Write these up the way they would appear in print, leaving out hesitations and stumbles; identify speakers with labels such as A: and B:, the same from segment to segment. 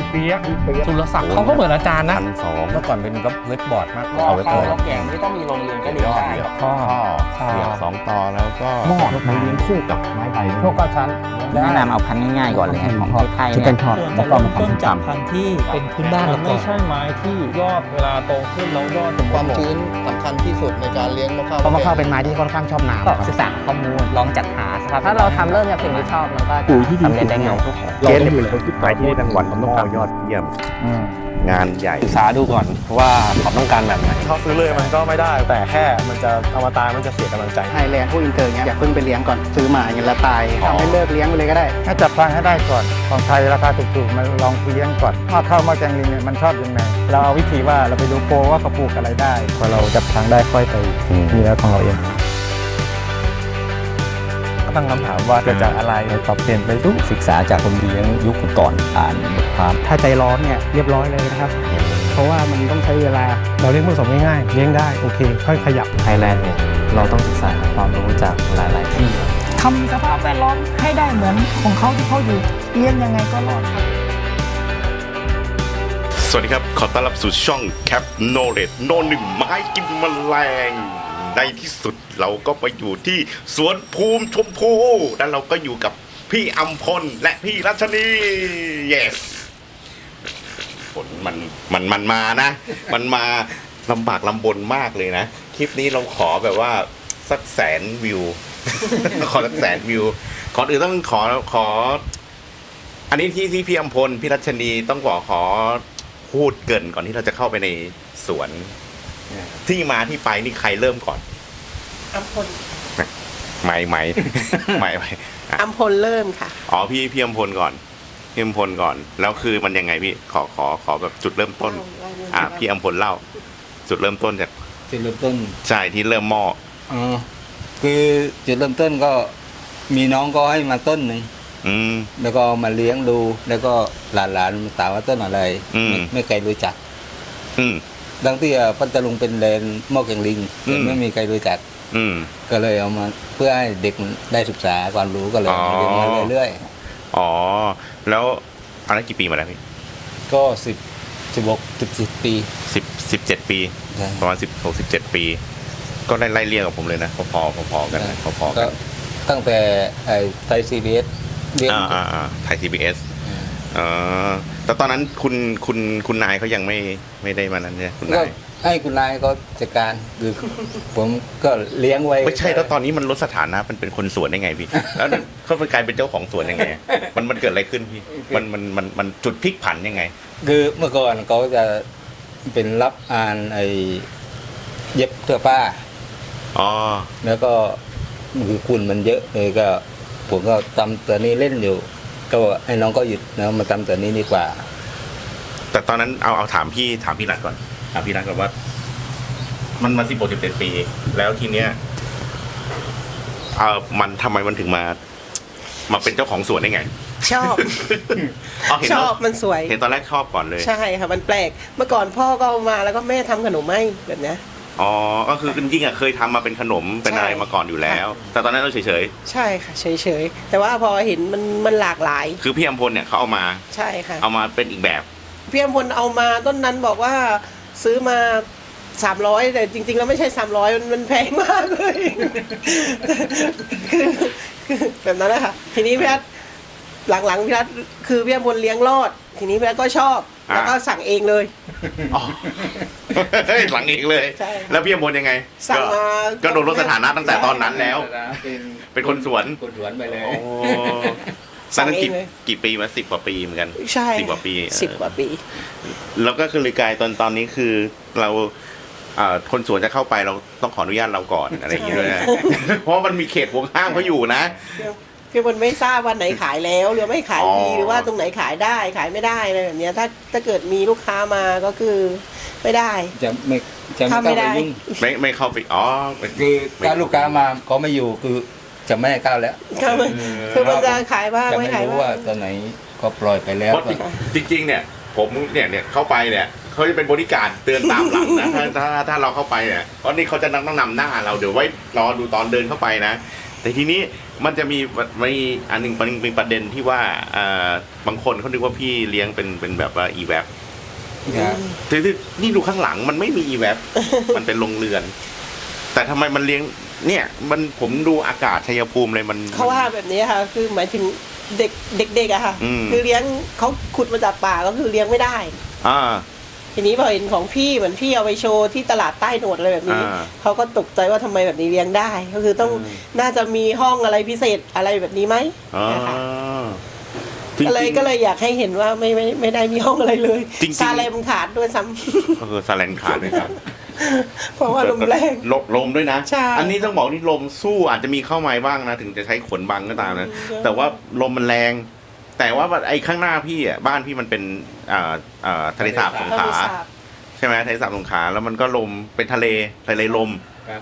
A: เปียกสุรศักดิ์เขาก็เหมือนอาจารย์นะ
B: 1,200เมื่อก่อนเป็นเว็บบอร์ดมากกว่า
C: เอา
B: เว็บ
C: ข้า
B: บอร์ด
C: วแล้วแกงไม่ต้องมีโรงเรียนก็เรียนได้ครับ
B: ข้อเสียบ2 ต่อแล้วก็
A: หม้อ
B: ไม้เลี้ยงคู่กับไม้ไผ่
A: พวกกระชั้น
D: แนะนำเอาพันธุ์ง่ายๆก่อนเลยของไทย
B: ที่
D: เนี่
B: เป็
D: ย
B: นช็อต
E: ส่วน
B: แล้ว
E: จะ
B: ก็
E: เริ่
B: มาม
E: ต้น
B: ทำ
E: จาก
B: ตำ
E: พันธุ์ที่เป็นพื้นบ้าน
A: มั
E: เรา
A: น
E: ก่
A: ไม่
E: อน
A: ใช่ไม้ที่ยอดเวลาโตขึ้นแล้วยอด
F: ความชื้นสำคัญที่สุดในการเลี้ยงมะพร้าว
B: เพราะว่าข้าวเป็นไม้ที่ค่อนข้างชอบน้ำ
D: ก็
B: ครับ
D: ศึกษาข้อมูลลองจัดหาสภาพถ้าเราทำเริ่มจากสิ่งที่ชอบมันก็จะสำเร็จได้ง่าย
B: เกณฑ์เนี่ยเป็นคนที่ไปที่รางวัลต้องการยอดเยี่ยมงานใหญ่
A: ศึกษาดูก่อนว่าเขาต้องการแบบไหน
G: เขาซื้อเลยมันก็ไม่ได้แต่แค่มันจะเอามาตายมันจะเสียกำลังใจ
H: ไทยแลนด์พวกอินเตอร์เงี้ยอย่าเพิ่งไปเลี้ยงก่อนซื้อมาอย่างเงี้ยแล้วตายทำให้เลิกเลี้ยงไปเลยก็ได้
I: ให้จับทางให้ได้ก่อนของไทยราคาถูกๆมาลองเลี้ยงก่อนว่าข้าวมาแกงลิงเนี่ยมันชอบยังไงเราเอาวิธีว่าเราไปดูโปรว่าเขาปลูกอะไรได้พอเราจับทางได้ค่อยไปมีแล้วของเราเองตั้งคำถามว่าเกิดจากอะไรปรับเปลี่ยนไปทุก
D: ศึกษาจากคนเลี้ยงยุคก่อนอ่านบทความ
H: ถ้าใจร้อนเนี่ยเรียบร้อยเลยนะครับ เพราะว่ามันต้องใช้เวลา
I: เราเลี้ยงผสมง่ายๆเลี้ยงได้โอเคค่อยขยับ
E: ไทยแลนด์เนี่ยเราต้องศึกษาความรู้จากหลายๆที่
J: ทำสภาพแวดล้อมให้ได้เหมือนของเขาที่เขาอยู่เลี้ยงยังไงก็รอดครับ
K: สวัสดีครับ ขอต้อนรับสู่ช่อง Cap Knowledge โนหนึ่งไม้กินแมลงในที่สุดเราก็ไปอยู่ที่สวนภูมิชมพูแล้วเราก็อยู่กับพี่อัมพลและพี่รัชนี yes ผลมันมานะ มันมาลำบากลำบนมากเลยนะ คลิปนี้เราขอแบบว่าสัก100,000 วิว ขอสัก100,000 วิวก่อนอื่นต้องขออันนี้ที่พี่อัมพลพี่รัชนีต้องขอพูดเกริ่นก่อนที่เราจะเข้าไปในสวนที่มาที่ไปนี่ใครเริ่มก่อน
L: อัมพล
K: ไม่
L: อัมพลเริ่มค่ะ
K: อ๋อพี่อัมพลก่อนพี่อัมพลก่อนแล้วคือมันยังไงพี่ขอแบบจุดเริ่มต้นพี่อัมพลเล่า จุดเริ่มต้นจาก
C: จุดเริ่มต้น
K: ใช่ที่เริ่มหม้อ
C: คือจุดเริ่มต้นก็มีน้องก็ให้มาต้นหนึ่ง แล้วก็มาเลี้ยงดูแล้วก็หลานมาถามว่าต้นอะไรไม่เคยรู้จักดังที่พัทลุงเป็นแลนด์หม้อแกงลิงแต่ไม่มีใครรู้จักก็เลยเอามาเพื่อให้เด็กได้ศึกษาความรู้ก็เลยเรียนมาเรื่อย
K: ๆอ๋อแล้วอันนั้นกี่ปีมาแล้วพี่
C: ก็17 ปี
K: 17 ปีประมาณ16-17 ปี ก็ไล่เรียงกับผมเลยนะพอกันพอกัน
C: ตั้งแต่ไทยซีบีเอสเรียน
K: ไทย CBS แต่ตอนนั้นคุณนายเขายังไม่ได้มานั้นเนี่ยคุณนาย
C: ให้คุณนายเขาจัดการคือผมก็เลี้ยงไว้
K: ไม่ใช่แล้วตอนนี้มันลดสถานะมันเป็นคนสวนได้ไงพี่แล้วเขาไปกลายเป็นเจ้าของสวนยังไงมันเกิดอะไรขึ้นพี่มันจุดพลิกผันยังไง
C: คือเมื่อก่อนเขาจะเป็นรับอ่านเย็บเสื้อผ้าแล้วก็คือคุณมันเยอะเลยก็ผมก็ทำตัวนี้เล่นอยู่ก็ให้น้องก็หยุดแล้วมาทำตัวนี้ดีกว่า
K: แต่ตอนนั้นเอาถามพี่รัฐก่อนถามพี่รัฐก่อนว่ามันมา16-17 ปีแล้วทีเนี้ยมันทำไมมันถึงมาเป็นเจ้าของสวนได้ไง
L: ชอบชอบมันสวย
K: เห็นตอนแรกชอบก่อนเลย
L: ใช่ค่ะมันแปลกเมื่อก่อนพ่อก็เอามาแล้วก็แม่ทำขนมให้แบบนี้
K: อ๋อก็คือจริงๆเคยทำมาเป็นขนมเป็นอะไรมาก่อนอยู่แล้วแต่ตอนนั้นเราเฉย
L: ๆใช่ค่ะเฉยๆแต่ว่าพอเห็นมันหลากหลาย
K: คือพี่อัมพลเนี่ยเขาเอามา
L: ใช่ค่ะ
K: เอามาเป็นอีกแบบ
L: พี่อัมพลเอามาต้นนั้นบอกว่าซื้อมา300แต่จริงๆแล้วไม่ใช่300มันแพงมากเลยคือแบบนั้นแหละค่ะทีนี้พี่รัฐหลังๆพี่รัฐคือพี่อัมพลเลี้ยงรอดทีนี้พี่รัฐก็ชอบแล้วก็สั่งเองเลย
K: สั่งเองเลยแล้วพี่อัมพลยังไง
L: สั่งมา
K: ก็โดนลดสถานะตั้งแต่ตอนนั้นแล้วเป็นคนสวน
C: ไปเลย
K: สั่งกี่ปีมา10 กว่าปีเหมือนกัน
L: ใช่
K: 10 กว่าปี
L: 10 กว่าปี
K: แล้วก็คือเลยกลายตอนนี้คือเราคนสวนจะเข้าไปเราต้องขออนุญาตเราก่อนอะไรอย่างเงี้ยด้วยนะเพราะมันมีเขตห่วงห้ามเขาอยู่นะ
L: คือมันไม่ทราบวันไหนขายแล้วหรือไม่ขายดีหรือว่าตรงไหนขายได้ขายไม่ได้อะไรแบบนี้ถ้าเกิดมีลูกค้ามาก็คือไม่ได้
C: จะไม่ได้
K: ไม่เข้าไป
C: คือถ้าลูกค้ามาเขาไม่อยู่คือจะไม่ให้เข้าแล้ว
L: คือมันจะขายบ้างไม่ขาย
C: บ้างว่าตอนไหนก็ปล่อยไปแล้ว
K: จริงๆเนี่ยผมเนี่ยเข้าไปเนี่ยเขาจะเป็นบริการเตือนตามหลังนะถ้าเราเข้าไปเนี่ยเพราะนี่เขาจะต้องนำหน้าเราเดี๋ยวไว้รอดูตอนเดินเข้าไปนะแต่ทีนี้มันจะมีอันหนึงเป็นประเด็นที่ว่าบางคนเขาคิดว่าพี่เลี้ยงเป็นแบบว่าอีแวบคือนี่ดูข้างหลังมันไม่มีอีแวบ มันเป็นโรงเรือน แต่ทำไมมันเลี้ยงเนี่ยผมดูอากาศชัยภูมิเลยมัน
L: เขาว่าแบบนี้ค่ะคือหมายถึงเด็กๆอะค่ะคือเลี้ยงเขาขุดมาจากป่าก็คือเลี้ยงไม่ได้ทีนี้พอเห็นของพี่เหมือนพี่เอาไปโชว์ที่ตลาดใต้โหนดอะไรแบบนี้เขาก็ตกใจว่าทำไมแบบนี้เลี้ยงได้ก็คือต้องน่าจะมีห้องอะไรพิเศษอะไรแบบนี้ไหมนะคะก็เลยอยากให้เห็นว่าไม่ได้มีห้องอะไรเลยซาเลมขาดด้วยซ้ำ
K: ก็คือซาเลนขาดด้วยครับ
L: เพราะว่าลมแรง
K: ลมด้วยนะ
L: ใช่
K: อันนี้ต้องบอกนี่ลมสู้อาจจะมีเข้ามาบ้างนะถึงจะใช้ขนบังก็ตามนะแต่ว่าลมมันแรงแต่ว่าไอ้ข้างหน้าพี่อ่ะบ้านพี่มันเป็นทะเลสาบสงขลาใช่ไหมทะเลสาบสงขลาแล้วมันก็ลมเป็นทะเลลม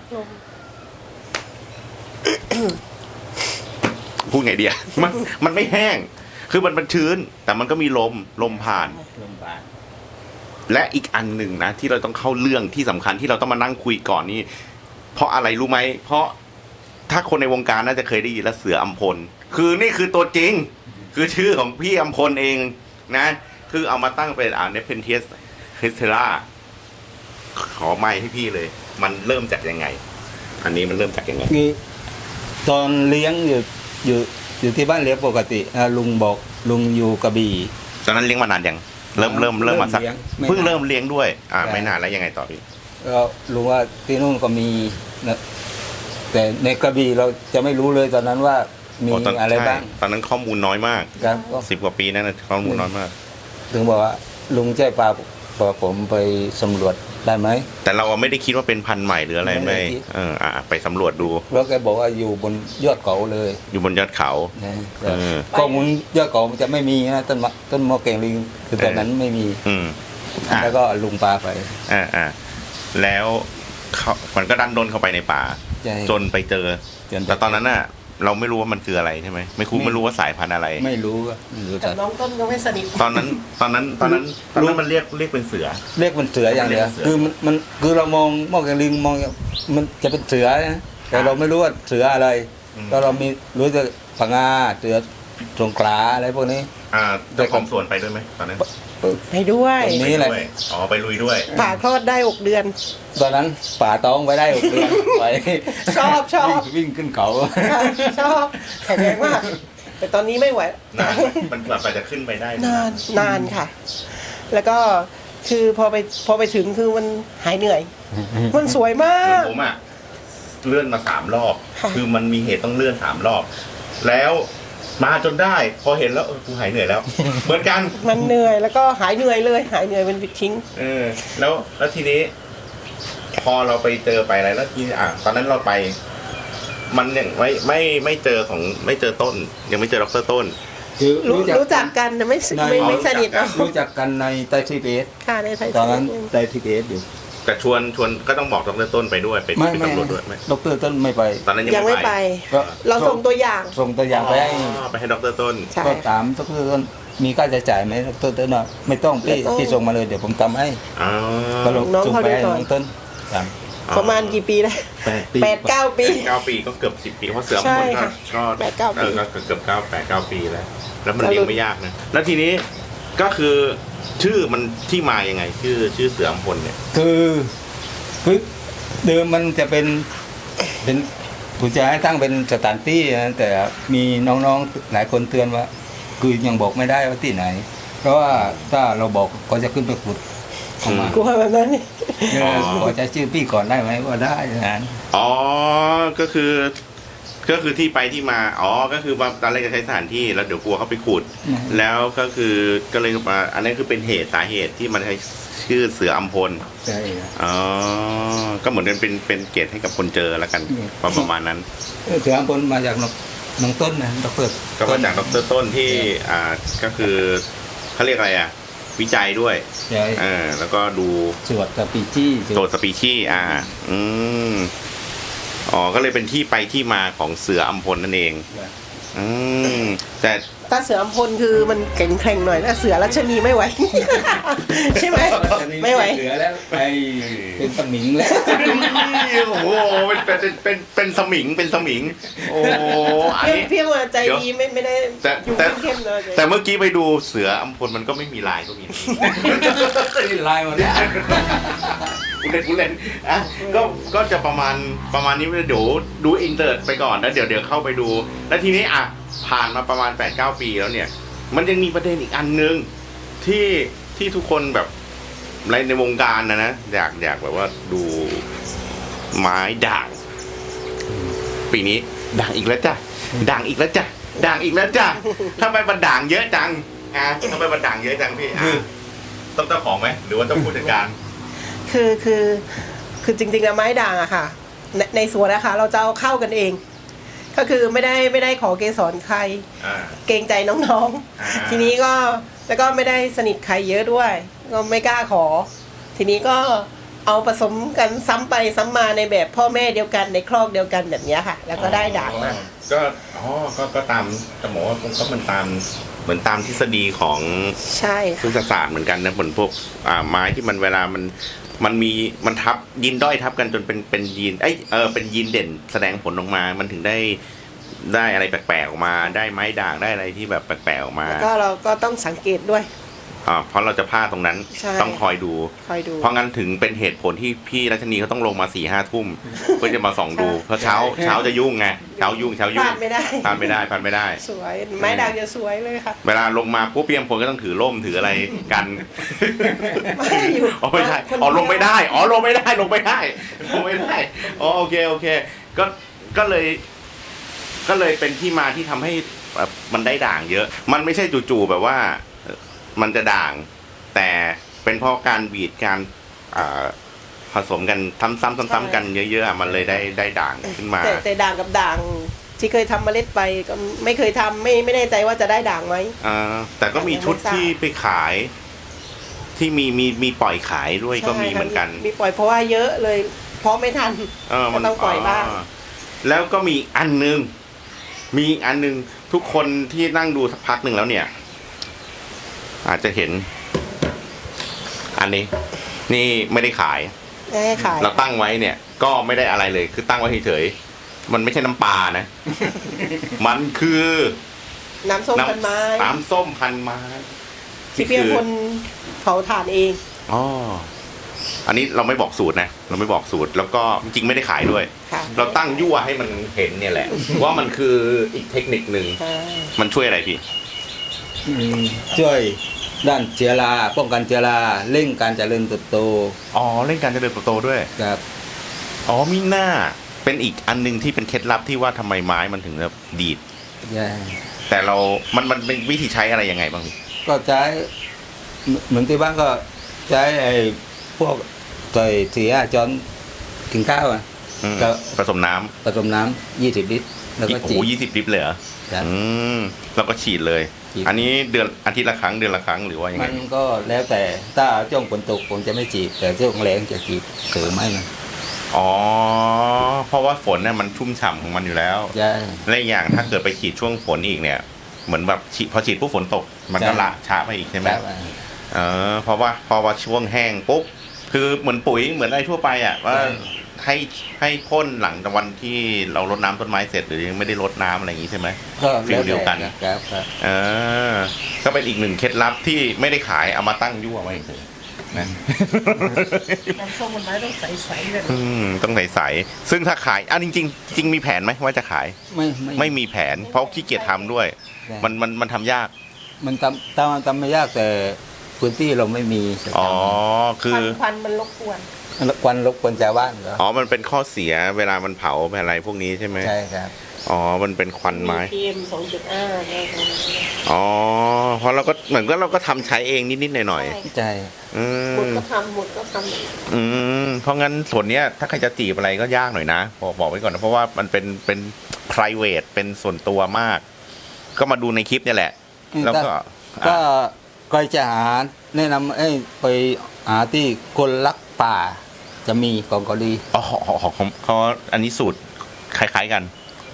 K: พูดไงเดียมันไม่แห้งคือมันชื้นแต่มันก็มีลมผ่านและอีกอันหนึ่งนะที่เราต้องเข้าเรื่องที่สำคัญที่เราต้องมานั่งคุยก่อนนี่เพราะอะไรรู้ไหมเพราะถ้าคนในวงการน่าจะเคยได้ยินแล้วเสืออัมพลคือนี่คือตัวจริงคือชื่อของพี่อัมพลเองนะคือเอามาตั้งเป็นเนเพนเทียสคริสเทล่าขอไมค์ให้พี่เลยมันเริ่มจากยังไงอันนี้มันเริ่มจากยังไง
C: คือตอนเลี้ยงอยู่ที่บ้านเลี้ยงปกติลุงบอกลุงอยู่กระบี่
K: ตอนนั้นเลี้ยงมานานยังเริ่มมาสักเพิ่งเริ่มเลี้ยงด้วยไม่นานแล้วยังไงต่อพี่
C: ก็รู้ว่าที่นู่นก็มีนะแต่ในกระบี่เราจะไม่รู้เลยตอนนั้นว่ามีอะไรบ้าง
K: ตอนนั้นข้อมูลน้อยมาก10 กว่าปีนั่นข้อมูลน้อยมาก
C: ถึงบอกว่าลุงใจพาผมไปสำรวจได้ไหม
K: แต่เราไม่ได้คิดว่าเป็นพันธุ์ใหม่หรืออะไรไม่ไปสำรวจดู
C: แล้วแกบอกว่าอยู่บนยอดเขาเลย
K: อยู่บนยอดเขา
C: ข้อมูลยอดเขามันจะไม่มีนะต้นมะเก่งลิงคือตอนนั้นไม่มีแล้วก็ลุงพาไป
K: แล้วมันก็ดันโดนเข้าไปในป่าจนไปเจอแต่ตอนนั้นน่ะเราไม่รู้ว่ามันคืออะไรใช่ไหมไม่รู้ว่าสายพันธุ์อะไร
C: ไม่รู้
L: แต่น้องต้นก็ไม่สนิท
K: ตอนนั้นมันเรียกเป็นเสือ
C: เป็นเสืออย่างเดียวคือเรามองมอแกลิงมองมันจะเป็นเสือนะแต่เราไม่รู้ว่าเสืออะไรก็เรามีรู้แต่ผงาเสือสงขลาอะไรพวกนี้
K: เจ้าของสวนไปด้วยไหมตอนนั้น
L: ไปด้วย
C: นี่แหละ
K: ไปลุยด้วย
L: ป่าคลอดได้6 เดือน
C: ตอนนั้นป่าท้องไว้ได้6 เดือนไป
L: ชอบ
C: วิ่งขึ้นเขา
L: ชอบแข็งแรงมากแต่ตอนนี้ไม่ไหว
K: มันกว่าจะขึ้นไปได้
L: นานค่ะ แล้วก็คือพอไปถึงคือมันหายเหนื่อยมันสวยมาก
K: ผมเลื่อนมา3 รอบคือมันมีเหตุต้องเลื่อน3 รอบแล้วมาจนได้พอเห็นแล้วกูหายเหนื่อยแล้วเหมือนกัน
L: มันเหนื่อยแล้วก็หายเหนื่อยเลยหายเหนื่อยเป็นปิดทิ้ง
K: แล้วทีนี้พอเราไปเจอไปอะไรแล้วทีตอนนั้นเราไปมันยังไม่เจอต้นยังไม่เจอดร.ต้น
L: รู้จักกันแต่ไม่สนิท
C: รู้จักกันในไต้ทิเบต
L: ค่ะในไต้
C: ตอนนั้นไต้ทิเบตอยู่
K: แต่ชวนก็ต้องบอกดร.ต้นไปด้วยไปสำรวจด้วย
C: ดร.ต้นไม่ไป
K: ตอนนั้น
L: ยังไม่ไปเราส่งตัวอย่าง
C: ไป
K: ให้ดร.ต้น
C: ก็ถามดร.ต้นมีค่าใช้จ่ายไหมดร.ต้นไม่ต้องพี่ส่งมาเลยเดี๋ยวผมทำให้
L: ก็น้องเขาดูก่อน
C: ต้น
L: ประมาณกี่ปีแล้ว8-9 ปี
K: ก็เกือบ10 ปีเพราะเสือมันก็8-9 ปีเกือบ8-9 ปีแล้วมันเลี้ยงไม่ยากนะแล้วทีนี้ก็คือชื่อมันที่มายังไงชื่อเสืออัมพลเนี่ย
C: คือเดิมมันจะเป็นผู้จะให้ตั้งเป็นสถานที่นะแต่มีน้องๆหลายคนเตือนว่าคือยังบอกไม่ได้ว่าที่ไหนเพราะว่าถ้าเราบอกก็จะขึ้นไปขุด
L: กลัวแบบนั้น
C: ขอจะชื่อพี่ก่อนได้ไหมว่าได้นะ
K: ก็คือที่ไปที่มาก็คือว่าตอนแรกจะใช้สถานที่แล้วเดี๋ยวกลัวเขาไปขุดแล้วก็คือก็เลยมาอันนั้นคือเป็นสาเหตุที่มันใช้ชื่อเสืออัมพล
C: ใช่
K: ก็เหมือนเป็นเกียรติให้กับคนเจอแล้วกันประมาณนั้น
C: เสืออัมพลมาจากน้องต้นนะดร.
K: ก็มาจากดร.ต้นที่ก็คือเขาเรียกอะไรวิจัยด้วยแล้วก็ดู
C: ตรวจสปี
K: ชีส์ก็เลยเป็นที่ไปที่มาของเสืออัมพลนั่นเองแต่
L: ถ้าเสืออัมพลคือมันแข็งแกร่งหน่อยนะเสือรัชนีไม่ไหว ใช่ไหมไม่ไหว
C: เสือแล้วไปเป็นสมิงแล้ว
K: โอ้โหเป็นสมิงเป็นสมิงโอ้อันนี้
L: เพียงว่าใจดีไม่ได้
K: แต่
L: อยู่
K: แต่
L: เข้มๆเลย
K: แต่เมื่อกี้ไปดูเสืออัมพลมันก็ไม่มีลายก็มี
C: ลายหมดแล้ว
K: กูเล่นอ่ะก็จะประมาณนี้เดี๋ยวดูอินเตอร์ไปก่อนแล้วเดี๋ยวเข้าไปดูแล้วทีนี้อ่ะผ่านมาประมาณ 8-9 ปีแล้วเนี่ยมันยังมีประเด็นอีกอันนึงที่ทุกคนแบบในวงการนะอยากแบบว่าดูไม้ด่างปีนี้ด่างอีกแล้วจ้ะด่างอีกแล้วจ้ะด่างอีกแล้วจ้ะทำไมมันด่างเยอะจังทำไมมันด่างเยอะจังพี่ต้องเจ้าของไหมหรือว่าต้องผู้จัดการ
L: คือจริงๆแล้วไม้ด่างอะค่ะในสวนนะคะเราจะเอาเข้ากันเอง ก็คือไม่ได้ขอเกสรใครเกรงใจน้องๆทีนี้ก็แล้วก็ไม่ได้สนิทใครเยอะด้วยก็ไม่กล้าขอ ทีนี้ก็เอาผสมกันซ้ำไปซ้ำมาในแบบพ่อแม่เดียวกันในครอกเดียวกันแบบนี้ค่ะ แล้วก็ได้ด่างมา
K: ก็ตามจะบอกว่าก็มันตามเหมือนตามทฤษฎีของ
L: ใช่
K: พฤกษศาสตร์เหมือนกันนะเหมือนพวกไม้ที่มันเวลามันทับยีนด้อยทับกันจนเป็นยีนเป็นยีนเด่นแสดงผลออกมามันถึงได้อะไรแปลกๆออกมาได้ไม้ด่างได้อะไรที่แบบแปลกๆออกมา
L: แล้วก็เราก็ต้องสังเกตด้วย
K: เพราะเราจะพลาดตรงนั้นต้องคอยดูเพราะงั้นถึงเป็นเหตุผลที่พี่รัชนีเขาต้องลงมา4-5 ทุ่มเพื่อจะมาส่องดูเพราะเช้าจะยุ่งไงเช้ายุ่งพลาดไม่ได้
L: สวยไม้ด่างจะสวยเลยค่ะ
K: เวลาลงมาปุ๊บเพียงผลก็ต้องถือร่มถืออะไรกันไม่ใช่ลงไม่ได้ลงไม่ได้โอเคก็เลยเป็นที่มาที่ทำให้มันได้ด่างเยอะมันไม่ใช่จู่ๆแบบว่ามันจะด่างแต่เป็นเพราะการบีดการผสมกันซ้ำๆกันเยอะๆมันเลยได้ด่างขึ้นมา
L: แต่ด่างกับด่างที่เคยทำเมล็ดไปก็ไม่เคยทำไม่แน่ใจว่าจะได้ด่างไหม
K: แต่ก็มีชุดที่ไปขายที่มีปล่อยขายด้วยก็มีเหมือนกัน
L: มีปล่อยเพราะว่าเยอะเลยเพราะไม่ทันก็ต้องปล่อยบ้าง
K: แล้วก็มีอันนึงทุกคนที่นั่งดูสักพักหนึ่งแล้วเนี่ยอาจจะเห็นอันนี้นี่ไม่ได้ขายเราตั้งไว้เนี่ยก็ไม่ได้อะไรเลยคือตั้งไว้เฉยๆมันไม่ใช่น้ำปลานะ มันคือ
L: น้ำส้มพันไ
K: ม้
L: ที่เพียงคนเผาถ่านเอง
K: อันนี้เราไม่บอกสูตรนะแล้วก็จริงๆไม่ได้ขายด้วยเราตั้งยั่วให้มันเห็นเนี่ยแหละว่ามันคืออีกเทคนิคนึงมันช่วยอะไรพี่
C: ช่วยด้านเชื้อราป้องกันเชื้อราเร่งการเจริญเติบโต
K: เร่งการเจริญเติบโตด้วย
C: ครับ
K: มีหน้าเป็นอีกอันนึงที่เป็นเคล็ดลับที่ว่าทำไมไม้มันถึงแบบดีดแต่มันเป็นวิธีใช้อะไรยังไงบ้าง
C: ก็ใช้เหมือนที่บ้านก็ใช้พวกใส่4-5 ช้อนกินข้าว
K: ก็ผสมน้ำ
C: 20 ลิตรแล้วก็
K: ฉีด20 ลิตรเลยเหรอแล้วก็ฉีดเลยอันนี้อาทิตย์ละครั้งเดือนละครั้งหรือว่ายังไง
C: มันก็แล้วแต่ถ้าช่วงฝนตกผมจะไม่ฉีดแต่ช่วงแล้งจะฉีดเสริมให้มัน
K: เพราะว่าฝนเนี่ยมันชุ่มฉ่ำของมันอยู่แล้วและอย่างถ้าเกิดไปฉีดช่วงฝนอีกเนี่ยเหมือนแบบพอฉีดปุ๊บฝนตกมันก็ละช้าไปอีกใช่ไหมเพราะว่าช่วงแห้งปุ๊บคือเหมือนปุ๋ยเหมือนอะไรทั่วไปว่าให้พ่นหลังจากวันที่เรารดน้ำต้นไม้เสร็จหรือยังไม่ได้รดน้ำอะไรอย่างนี้ใช่ไหมฟิลเดียวกันก็เป็นอีกหนึ่งเคล็ดลับที่ไม่ได้ขายเอามาตั้งยั่วไว้เฉยนะ
L: น้ำส้มมันไม้ต้องใสๆเลย
K: ต้องใสๆซึ่งถ้าขายจริงมีแผนไหมว่าจะขายไม่มีแผนเพราะขี้เกียจทำด้วยมันทำยาก
C: มันทำไม่ยากแต่พื้นที่เราไม่มี
K: คือ
L: ควันมันรบกวน
C: ชาวบ้านเหรอ
K: มันเป็นข้อเสียเวลามันเผาอะไรพวกนี้ใช่ไหม
C: ใช่ครับ
K: มันเป็นควันไม้
L: PM 2.5
K: เพราะเราก็เหมือนก็เราก็ทำใช้เองนิดๆหน่อย
C: ๆใช่
L: หมดก็ทำ
K: เพราะงั้นส่วนเนี้ยถ้าใครจะจีบอะไรก็ยากหน่อยนะบอกไว้ก่อนนะเพราะว่ามันเป็น private เป็นส่วนตัวมากก็มาดูในคลิปเนี่ยแหละแล้ว
C: ก็จะหาแนะนำไปหาที่คนรักป่าจะมีของเกาหลี
K: เขาอันนี้สูตรคล้ายๆกัน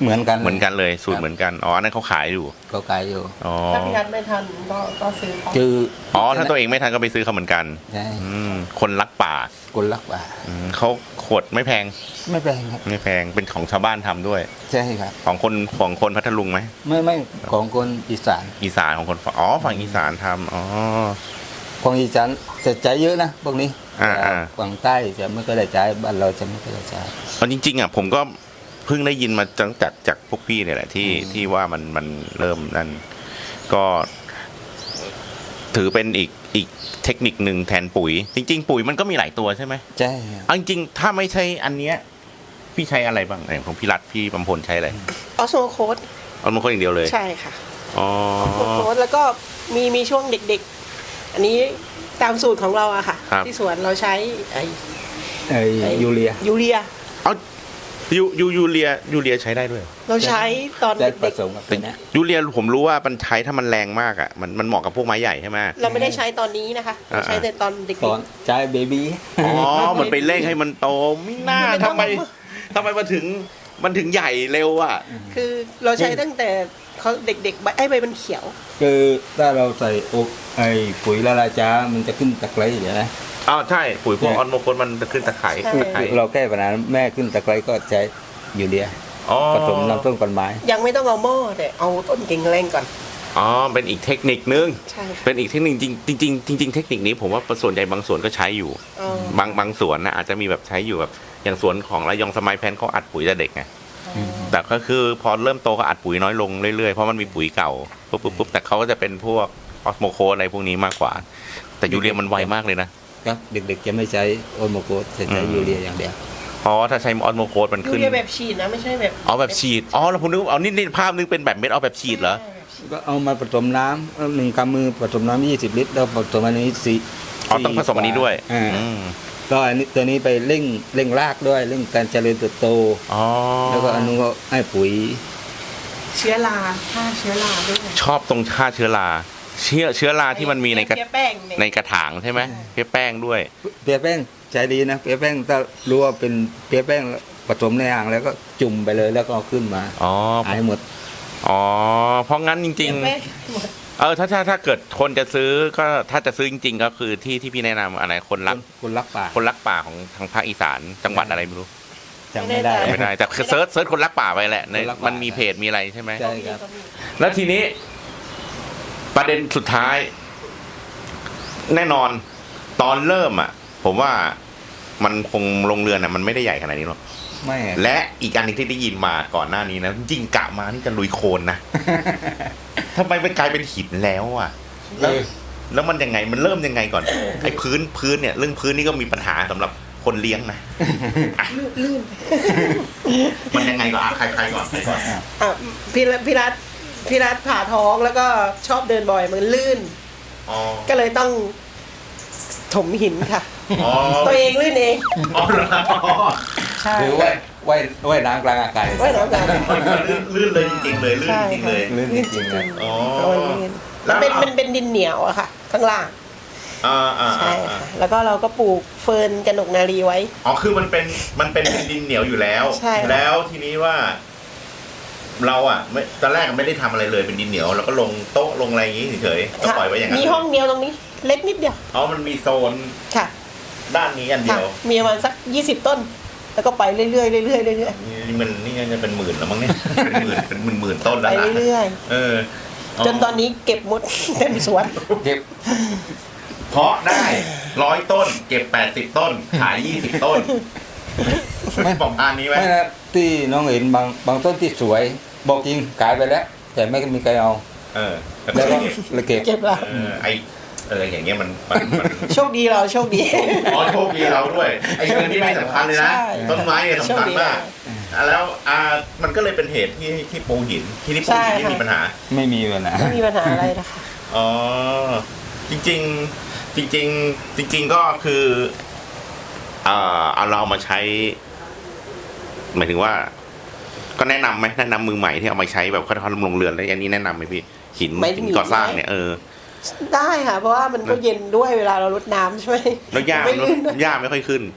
C: เหมือนกัน
K: เหมือนกันเลยสูตรเหมือนกันอ๋ออันนั้นเขาขายอยู่
C: ก็ขายอยู่
K: อ๋อ
L: ถ้าพี่นัทไม่ทันก็ซื้อเขา
C: คือ
K: อ๋อถ้าตัวเองไม่ทันก็ไปซื้อเขาเหมือนกัน
C: ใช่
K: คนรักป่า
C: คนรักป่า
K: เขาขวดไม่แพง
C: ไม่แพงครับ
K: ไม่แพงเป็นของชาวบ้านทำด้วย
C: ใช่ครับ
K: ของคนพัทลุงไหม
C: ไม่ของคนอีสาน
K: อีสานของคนฝั่งอีสานทำอ๋อ
C: ของอีสานจะใช้เยอะนะพวกนี้
K: อ่า
C: ฝั่งใต้จะไม่ก็ได้ใช้บ้านเราจะไม่ก็ได้ใช้
K: เอาจริงๆอ่ะผมก็เพิ่งได้ยินมาจากพวกพี่เนี่ยแหละที่ว่ามันเริ่มนั่นก็ถือเป็นอีกเทคนิคหนึ่งแทนปุ๋ย จริง ๆ ปุ๋ยมันก็มีหลายตัวใช่ไหม
C: ใช่
K: เอาจริงๆถ้าไม่ใช่อันเนี้ยพี่ใช้อะไรบ้างอย่างของพี่รัฐพี่บำพลใช้อะไร
L: ออโซโคด
K: เอามาคนอย่างเดียวเลย
L: ใช่ค่ะ
K: อ๋อ
L: ออโซโคดแล้วก็มีช่วงเด็กๆ อันนี้ตามสูตรของเราอะค่ะ ที่สวนเราใช้
C: ยูเรีย
K: เอายูเรียใช้ได้ด้วย
L: เราใช้ตอน
C: ได้ผ
L: เด็ก
C: สมกับตัวนี้
K: ยูเรียผมรู้ว่ามันใช้ถ้ามันแรงมากอ่ะมันเหมาะกับพวกไม้ใหญ่ใช่ไหม
L: ๆเราไม่ได้ใช้ตอนนี้นะคะเราใช้แต่ตอนเด็ก
C: ตอนใช้เบบี้
K: อ๋อมันไปเร่งให้มันโตไม่น่าทำไมมันถึงใหญ่เร็วอ่ะ
L: ๆ คือเราใช้ตั้งแต่เขาเด็กๆใบมันเขียว
C: คือถ้าเราใส่ปุ๋ยละลายจ้ามันจะขึ้นตะไคร้อย่างนี้นะ
K: อ้าวใช่ปุ๋ยพวกออนโมโคนมันจะขึ้นตะไคร้
C: เราแก้ปัญหาแม่ขึ้นตะไคร้ก็ใช้ยูเรียผสมน้ำต้นกันไม้
L: ยังไม่ต้องเอาหม้อแต่เอาต้นเก่งแรงก่อน
K: อ๋อเป็นอีกเทคนิคนึง
L: ใช่ค่ะ
K: เป็นอีกเทคนิคจริงเทคนิคนี้ผมว่าส่วนใหญ่บางสวนก็ใช้อยู่
L: อ๋อบ
K: างสวนนะอาจจะมีแบบใช้อยู่แบบอย่างสวนของระยองสมัยแพนเขาอัดปุ๋ยแต่เด็กไงแต่ก็คือพอเริ่มโตก็อัดปุ๋ยน้อยลงเรื่อยๆเพราะมันมีปุ๋ยเก่าปุ๊บแต่เขาก็จะเป็นพวกออสโมโคอะไรพวกนี้มากกว่า แต่ยูเรียมันไวมากเลยนะครับ
C: เด็กๆจะไม่ใช้โอโมโกสจะใช้ยูเรียอย่างเดียว
K: อ๋อถ้าใช้ออสโมโคมัน
L: ยู
K: ขึ้น
L: เรียแบบฉีดนะไม่ใช่แบบ
K: อ๋อแบบฉีดอ๋อแล้วผมนึกเอานี่ภาพนึงเป็นแบบเม็ดเอาแบบฉีดเหรอ
C: ก็เอามาผสมน้ำ1 กำมือผสมน้ำ20 ลิตรแล้วผสมอันนี้4
K: อ๋อต้องผสมอันนี้ด้วย
C: ก็อันนี้ตัวนี้ไปเร่งรากด้วยเร่งการเจริญเติบโตแล้วก็อันนู้นก็ให้ปุ๋ย
L: เชื้อราฆ่าเชื้อราด้วย
K: ชอบตรงฆ่าเชื้อราเชื้อราที่มันมีในกระ
L: เพี้ยแป้งเนี่ย
K: ในกระถางใช่ไหมเพี้ยแป้งด้วย
C: เปียแป้งใช้ดีนะเปียแป้งถ้ารู้ว่าเป็นเปียแป้งผสมในอ่างแล้วก็จุ่มไปเลยแล้วก็เอาขึ้นมา
K: อ๋อ
C: หายหมด
K: อ๋อเพราะงั้นจริง
L: เพี้ยแป้งหมด
K: ๆถ้าเกิดคนจะซื้อก็ถ้าจะซื้อจริงๆก็คือที่พี่แนะนำอะไรคนรักป่าของทางภาคอีสานจังหวัดอะไรไม่รู้
C: จำไม่ได้
K: ไม่ได้แต่คือเซิร์ชคนรักป่าไปแหละในมันมีเพจมีอะไรใช่ไหม
C: ใช่ครับ
K: แล้วทีนี้ประเด็นสุดท้าย แน่นอนตอนเริ่มอ่ะ ผมว่ามันคงลงเรือนอ่ะมันไม่ได้ใหญ่ขนาดนี้หรอก
C: ไม่
K: และอีกอันหนึงที่ได้ยินมาก่อนหน้านี้นะจริงๆกะมานี่จะลุยโคลนนะ ทำไมไปกลายเป็นหินแล้วอ่ะแล้วมันยังไงมันเริ่มยังไงก่อนไอ้พื้นเนี่ยเรื่องพื้นนี่ก็มีปัญหาสำหรับคนเลี้ยงนะ
L: ลื่น
K: มันยังไงก่อนใครก่อน
L: พี่รัฐผ่าท้องแล้วก็ชอบเดินบ่อยมันลื่นก็เลยต้องถมหินค่ะ ตัวเองลื่นเอง
K: อ๋อเหรอ
L: ใช่
C: หรือว่ายน้ำกลางอากาศ
L: ว่ายน้ำกลาง
K: ลื่นเลยจริงๆเลยลื่นจริงๆเลย
C: ลื่นจริงๆนะ
K: อ๋อ
L: มันเป็นดินเหนียวอะค่ะ ข้างล่างใช่ค่ะแล้วก็เราก็ปลูกเฟิร์นกระหนกนารีไว้
K: อ๋อคือมันเป็นดินเหนียวอยู่แล้ว
L: ใช่
K: แล้วทีนี้ว่า เราอ่ะไม่ตอนแรกไม่ได้ทำอะไรเลยเป็นดินเหนียวแล้วก็ลงโต๊ะลงอะไรอย่างงี้เฉยๆก็ปล่อยไว้อย่างนั้น
L: มีห้องเดียวตรงนี้ เล็กนิดเดียว
K: อ๋อมันมีโซน
L: ค่ะ
K: ด้านนี้อันเดียว
L: มีประมาณสัก20 ต้น แล้วก็ไปเรื่อยๆเรื่อยๆเรื่อย
K: นี่จะเป็นหมื่นแล้วมั้งเนี่ยเป็นหมื่นต้น
L: ๆ
K: แล้
L: ไป
K: วนะ
L: เรื่อย
K: ๆ
L: จนตอนนี้เก็บหมด เต็มสวน
C: เก็บ
K: เพาะได้100 ต้น เก็บ80 ต้นขาย20 ต้นไม่ประมาณนี้ไหม
C: ไม่นะที่น้องเห็นบางต้นที่สวยบอกจริงขายไปแล้ว แต่ไม่มีใครเอาแล้วก็เลยเก็บ
L: ละ
K: อย่างเงี้ยมัน
L: โชคดีเราโชคดี
K: อ๋อโชคดีเราด้วยไอ้เงินที่ไม่สำคัญเลยนะต้นไม้เนี่ยสำคัญมากแล้วมันก็เลยเป็นเหตุที่ปูหินที่ปูหินที่มีปัญหา
C: ไม่มีปัญหา
L: ไม่มีปัญหาอะไรนะคะ
K: อ๋อจริงก็คือเอาเรามาใช้หมายถึงว่า ก็แนะนำไหมแนะนำมือใหม่ที่เอามาใช้แบบเขาทำลงเรือนแล้วอันนี้แนะนำไหมพี่หินก่อสร้างเนี่ย
L: ได้ค่ะเพราะว่ามันก็เย็นด้วยเวลาเรารดน้ำใช่ไหม
K: แล้วหญ้าไม่ค่อยขึ้น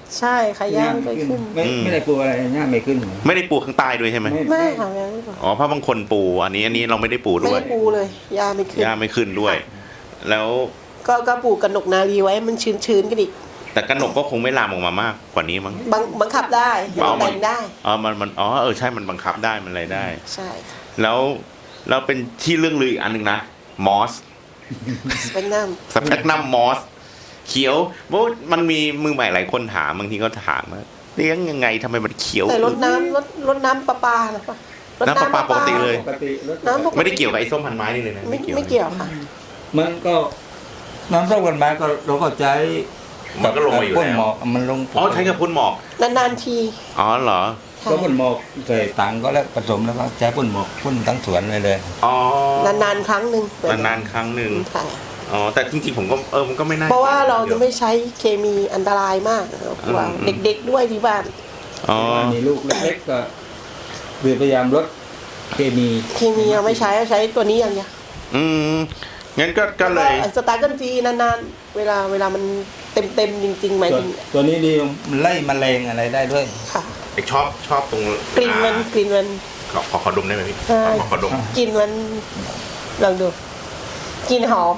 L: ใช่ค่ะย่าไม่เคยขึ้น
C: ไม่ได้ปลูกอะไรย่าไม่ขึ้น
K: ไม่ได้ปูข้างใต้ด้วยใช่ไหม
L: ไม่ค่ะย่าไม่ปลูก
K: อ๋อเพราะบางคนปูอันนี้เราไม่ได้ปู
L: ไม่
K: ด้วย
L: ได้ปูเลยย่าไม่ขึ้น
K: ย่าไม่ขึ้นด้วย แล้ว
L: ก็ปลูกกระหนกนารีไว้มันชื้นๆกันอีก
K: แต่กระหนกก็คงไม่ลามออกมามากกว่านี้มั้ง
L: บังคับได้แต่งได้
K: อ๋อมันใช่มันบังคับได้มันอะไรได้
L: ใช่ค่ะ
K: แล้วเป็นที่เรื่องลืออีกอันหนึ่งนะมอส
L: เป็นน้
K: สเปกนัมมอสเขียวเพราะมันมีมือใหม่หลายคนถามบางทีก็ถามว่าเลี้ยงยังไงทำไมมันเขียว
L: ำแต่รดน้ำประปานะปะรด
K: น้ำประปาปกติเลย
L: น้ำปกติ
K: ไม่ได้เกี่ยวกับไอ้ส้มพันไม้นี่เลยนะ
L: ไม่เกี่ยวค่ะ
C: มันก็น้ำส้มกันมาก็เราก็ใช้
K: มันก็ลงมาอยู่
C: พ่น
K: แล้
C: หม
K: ว
C: อกมันลง
K: อ๋อใช้กับพ่นหมอก
L: นานๆที
K: อ๋อเหรอ
C: ก็พ่นหมอกใส่ถังก็แล้วผสมแล้วก็ใช้พ่นหมอกพ่นทั้งสวนเลย
K: อ๋อน
L: านๆครั้งหนึ่ง
K: นานๆครั้งหนึ่ง
L: ค่ะ
K: อ๋อแต่จริงๆผมก็มันก็ไม่น่า
L: เพราะว่าเราจะไม่ใช้เคมีอันตรายมากกลัวเด็กๆด้วยที่บ้าน
K: อ๋อ
C: มีลูกเล็กๆก็คือพยายามลดเคมี
L: เคมีเราไม่ใช้ตัวนี้อย่างเดียว
K: งั้นก็เลย
L: สตาร์กันทีนานๆเวลามันเต็มจริงๆหมายถึง
C: ตัวนี้ดีมันไล่แมลงอะไรได้ด้วย
L: ค่ะ
K: ชอบตรง
L: กลิ่นมัน
K: ขอดมได้ไหมพี่
L: ใช่
K: ขอดม
L: กลิ่นมันลองดูกลิ่นหอม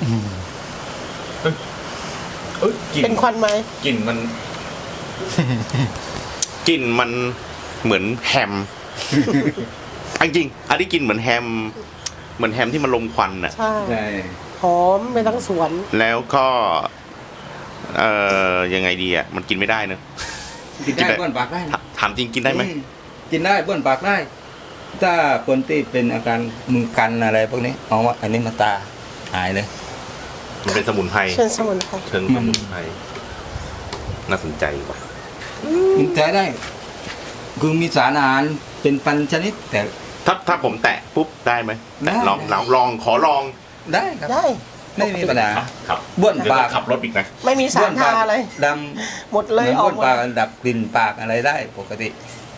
K: กลิ่
L: เป็นควันไหม
K: กลิ่นมันกลิ่นมันเหมือนแฮมจริงๆอันนี้กลิ่นเหมือนแฮมที่มันลมควันน่ะ
L: ใช่หอมไปทั้งสวน
K: แล้วก็ยังไงดีอ่ะมันกินไม่ได้เนอะ
C: กินได้บ้วนปากได้
K: ถามจริงกินได้ไหม
C: กินได้บ้วนปากได้ ถ้าคนที่เป็นอาการมือกันอะไรพวกนี้เอาว่าอันนี้มาตาหายเลย
K: มันเป็นสมุนไพร
L: เชิญสมุนไพร
K: เชิงสมุนไพรน่าสนใจว่ะ
C: มันใช้ได้ คือมีสารอาหารเป็นพันชนิด แต่
K: ถ้าผมแตะปุ๊บได้ไหม
C: ได้
K: ลองขอลอง
C: ได้ครับ
L: ได้
C: ไม่มีปัญหา
K: ครับ
C: บ้วนปาก
K: ขับรถอีกนะ
L: ไม่มีสารทาอะไร
C: ด
L: หมด
C: ำ
L: เลยออก
C: บ้วน
L: หมด
C: ปากดับกลิ่นปากอะไรได้ปกติ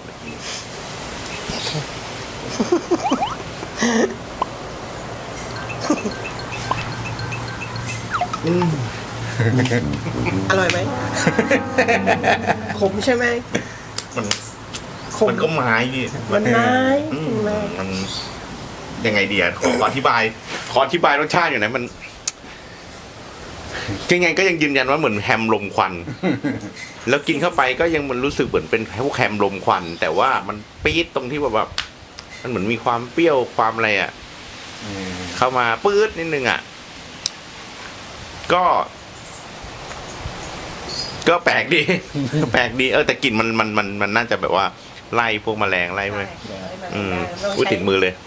L: อร่อยไหม ขมใช่ไหม
K: มันก็ไม้พี่
L: มันไม้
K: มันยังไงดีอ่ะขออธิบายรสชาติอยู่นะมันยังไงก็ยังยืนยันว่าเหมือนแฮมลมควัน แล้วกินเข้าไปก็ยังมันรู้สึกเหมือนเป็นพวกแฮมลมควัน แต่ว่ามันปี๊ดตรงที่แบบมันเหมือนมีความเปรี้ยวความอะไรอ่ะเข้ามาปื๊ดนิดนึงอ่ะก็แปลกดี แต่กลิ่นมันน่าจะแบบว่าไล่พวกแมลงไล่ไปอุ้ยติดมือเลย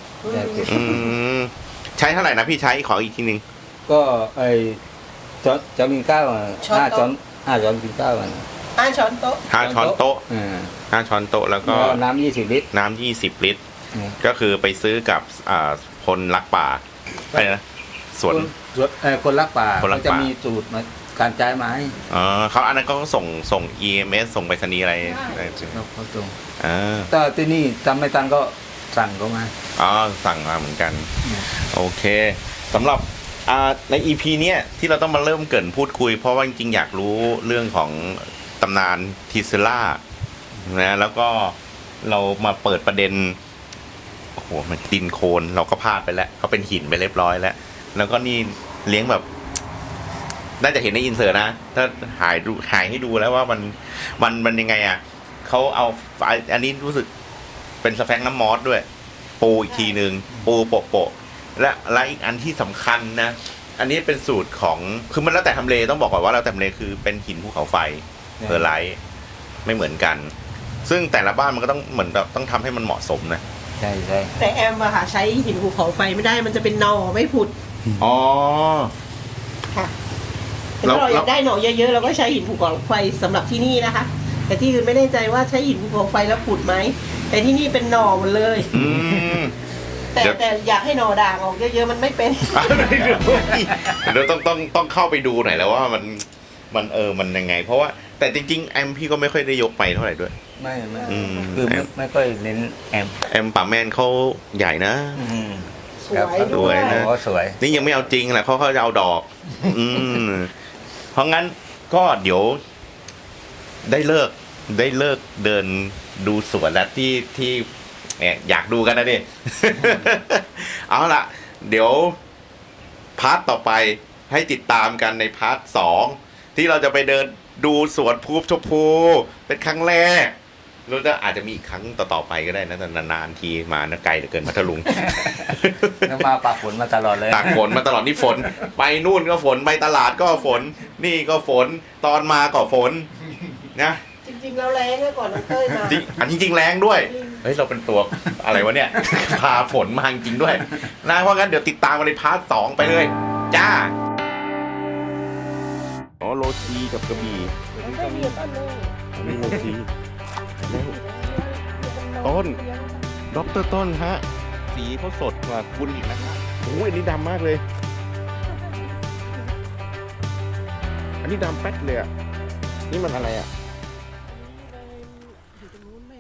K: ใช้เท่าไหร่นะพี่ใช้ขออีกทีนึง
C: ก็ไอช้อนกินข้าว5 ช้อนกินข้าว
L: 5 ช้อนโต๊ะ
K: 5 ช้อนโต๊ะ5 ช้อนโต๊ะแล้วก็
C: น้ำ20 ลิตร
K: 20 ลิตรก็คือไปซื้อกับคนรักป่าอะไรนะสวน
C: คนรักป่า
K: คนรักป่า
C: เขาจะมีสูตรมาการใช้ไม้
K: เขาอันนั้นก็ส่ง EMS ส่งไปรษณีย์อะไร
C: เขาส่งแต่ที่นี่ทำไม่ทันก็สั่งเขามา
K: สั่งมาเหมือนกันโอเคสำหรับใน EP เนี้ยที่เราต้องมาเริ่มเกริ่นพูดคุยเพราะว่าจริงๆอยากรู้เรื่องของตำนานทีเซล่านะแล้วก็เรามาเปิดประเด็นโอ้โหมันดินโคลนเราก็พลาดไปแล้วเขาเป็นหินไปเรียบร้อยแล้วก็นี่เลี้ยงแบบน่าจะเห็นในอินเสิร์ตนะถ้าหายให้ดูแล้วว่ามันยังไงอ่ะเขาเอาอันนี้รู้สึกเป็นสแฟงน้ำมอสด้วยปูอีกทีนึงปูโปะและอีกอันที่สำคัญนะอันนี้เป็นสูตรของคือมันแล้วแต่ทำเลต้องบอกก่อนว่าแล้วแต่ทำเลคือเป็นหินภูเขาไฟเพอร์ไลท์ไม่เหมือนกันซึ่งแต่ละบ้านมันก็ต้องเหมือนแบบต้องทำให้มันเหมาะสมนะ
C: ใช่
L: แต่แอมอะค่ะใช้หินภูเขาไฟไม่ได้มันจะเป็นหน่อไม่ผุดค่ะถ้าเราอยากได้หน่อเยอะๆเราก็ใช้หินภูเขาไฟสำหรับที่นี่นะคะแต่ที่อื่นไม่แน่ใจว่าใช้หินภูเขาไฟแล้วผุดไหมแต่ที่นี่เป็นหน่อหมดเลยแต่อยากให้หน่อด่างออกเยอะๆมันไม่เป็น
K: เดี๋ยวต้องเข้าไปดูหน่อยแล้วว่ามันยังไงเพราะว่าแต่จริงๆแอมพี่ก็ไม่ค่อยได้ยกไปเท่าไหร่ด้วย
C: ไม่คือไม่ค่อยเน้น
K: แอมป่าแมนเขาใหญ่นะ
L: สวย
K: นะ
C: สวย
K: นี่ยังไม่เอาจริงแหละเขาจะเอาดอกเพราะงั้นก็เดี๋ยวได้เลิกเดินดูสวนแล้วที่อยากดูกันนะดิ เอาล่ะ เดี๋ยวพาร์ทต่อไปให้ติดตามกันในพาร์ท2ที่เราจะไปเดินดูสวนภูชมพูเป็นครั้งแรกแล้วก็อาจจะมีอีกครั้งต่อๆไปก็ได้นะแต่นานๆทีมานะไกลเหลือเกินพัทลุง
E: มาปากฝนมาตลอดเลย
K: ตากฝนมาตลอดนี่ฝน ไปนู่นก็ฝนไปตลาดก็ฝน นี่ก็ฝนตอนมาก็ฝนนะ
L: จริงๆแล้วแรงนะก่อนน้องเต้ยมา
K: จริงแรงด้วยเฮ้ยเราเป็นตัวอะไรวะเนี่ย พาฝนมาจริงด้วยนะเพราะงั้นเดี๋ยวติดตามกันในพาร์ท2ไปเลยจ้าอ๋อโรตีกับกระบี่
L: น้องเต้ยมีต้นนึง
K: อันนี้โรตีต้นดรต้นฮะสีเขาสดกว่าคุณอีกนะครับโอ้ยอันนี้ดำมากเลย อันนี้ดำแป๊ดเลยอ่ะนี่มันอะไรอ่ะ